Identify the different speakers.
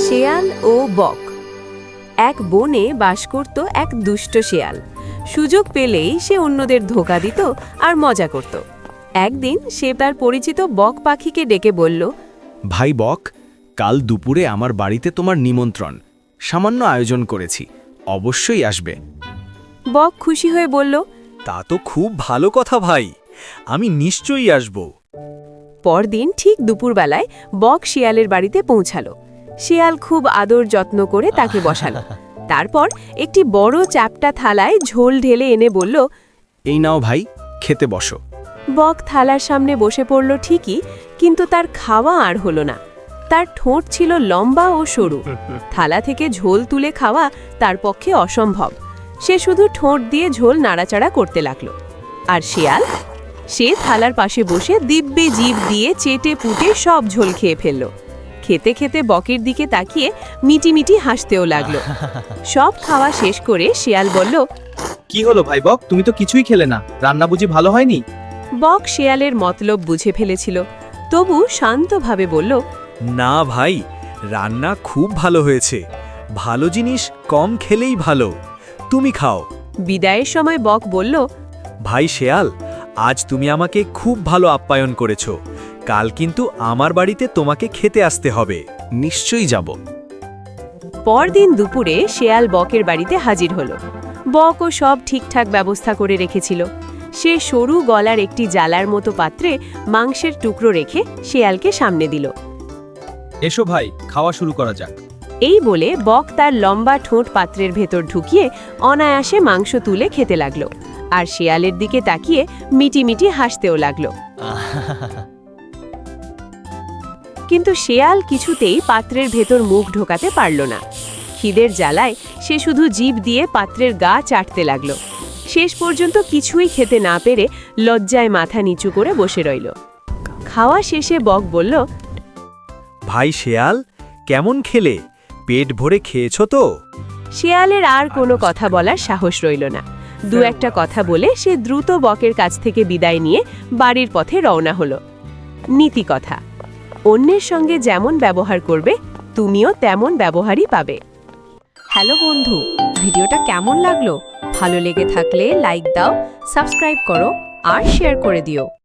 Speaker 1: শেয়াল ও বক। এক বনে বাস করত এক দুষ্ট শেয়াল। সুযোগ পেলেই সে অন্যদের ধোঁকা দিত আর মজা করত। একদিন সে তার পরিচিত বক পাখিকে ডেকে বলল,
Speaker 2: ভাই বক, কাল দুপুরে আমার বাড়িতে তোমার নিমন্ত্রণ, সামান্য আয়োজন করেছি, অবশ্যই আসবে।
Speaker 1: বক খুশি হয়ে বলল,
Speaker 3: তা তো খুব ভালো কথা ভাই, আমি নিশ্চয়ই আসব।
Speaker 1: পরদিন ঠিক দুপুরবেলায় বক শিয়ালের বাড়িতে পৌঁছালো। শিয়াল খুব আদর যত্ন করে তাকে বসালো। তারপর একটি বড় চ্যাপ্টা থালায় ঝোল ঢেলে এনে বলল,
Speaker 2: এই নাও ভাই, খেতে বসো।
Speaker 1: বক থালার সামনে বসে পড়ল ঠিকই, কিন্তু তার খাওয়া আর হলো না। তার ঠোঁট ছিল লম্বা ও সরু, থালা থেকে ঝোল তুলে খাওয়া তার পক্ষে অসম্ভব। সে শুধু ঠোঁট দিয়ে ঝোল নাড়াচাড়া করতে লাগলো। আর শিয়াল, সে থালার পাশে বসে দিব্যে জিভ দিয়ে চেটে পুটে সব ঝোল খেয়ে ফেলল। খেতে খেতে বকের দিকে তাকিয়ে মিটিমিটি হাসতেও লাগলো। সব খাওয়া শেষ করে শিয়াল বলল,
Speaker 4: কি হলো ভাই বক, তুমি তো কিছুই খেলে না, রান্না বুঝি ভালো হয়নি?
Speaker 1: বক শিয়ালের মতলব বুঝে ফেলেছিল, তবু শান্তভাবে বলল,
Speaker 3: না ভাই, রান্না খুব ভালো হয়েছে, ভালো জিনিস কম খেলেই ভালো, তুমি খাও।
Speaker 1: বিদায়ের সময় বক বলল,
Speaker 3: ভাই শেয়াল, আজ তুমি আমাকে খুব ভালো আপ্যায়ন করেছো, কাল কিন্তু আমার বাড়িতে তোমাকে খেতে আসতে হবে।
Speaker 2: নিশ্চয়ই যাব।
Speaker 1: পরদিন দুপুরে শেয়াল বকের বাড়িতে হাজির হলো। বকও সব ঠিকঠাক ব্যবস্থা করে রেখেছিল। সে সরু গলার একটি জালার মতো পাত্রে মাংসের টুকরো রেখে শেয়ালকে সামনে দিল।
Speaker 4: এসো ভাই, খাওয়া শুরু করা যাক।
Speaker 1: এই বলে বক তার লম্বা ঠোঁট পাত্রের ভেতর ঢুকিয়ে অনায়াসে মাংস তুলে খেতে লাগলো, আর শেয়ালের দিকে তাকিয়ে মিটিমিটি হাসতেও লাগলো। কিন্তু শেয়াল কিছুতেই পাত্রের ভেতর মুখ ঢোকাতে পারল না। খিদের জ্বালায় সে শুধু জিভ দিয়ে পাত্রের গা চাটতে লাগলো। শেষ পর্যন্ত কিছুই খেতে না পেরে লজ্জায় মাথা নিচু করে বসে রইল। খাওয়া শেষে বক বলল,
Speaker 3: ভাই শেয়াল, কেমন খেলে? পেট ভরে খেয়েছো তো?
Speaker 1: শেয়ালের আর কোনো কথা বলার সাহস রইল না। দু একটা কথা বলে সে দ্রুত বকের কাছ থেকে বিদায় নিয়ে বাড়ির পথে রওনা হলো। নীতি কথা: অন্যের সঙ্গে যেমন ব্যবহার করবে, তুমিও তেমন ব্যবহারই পাবে। হ্যালো বন্ধু, ভিডিওটা কেমন লাগলো? ভালো লেগে থাকলে লাইক দাও, সাবস্ক্রাইব করো আর শেয়ার করে দিও।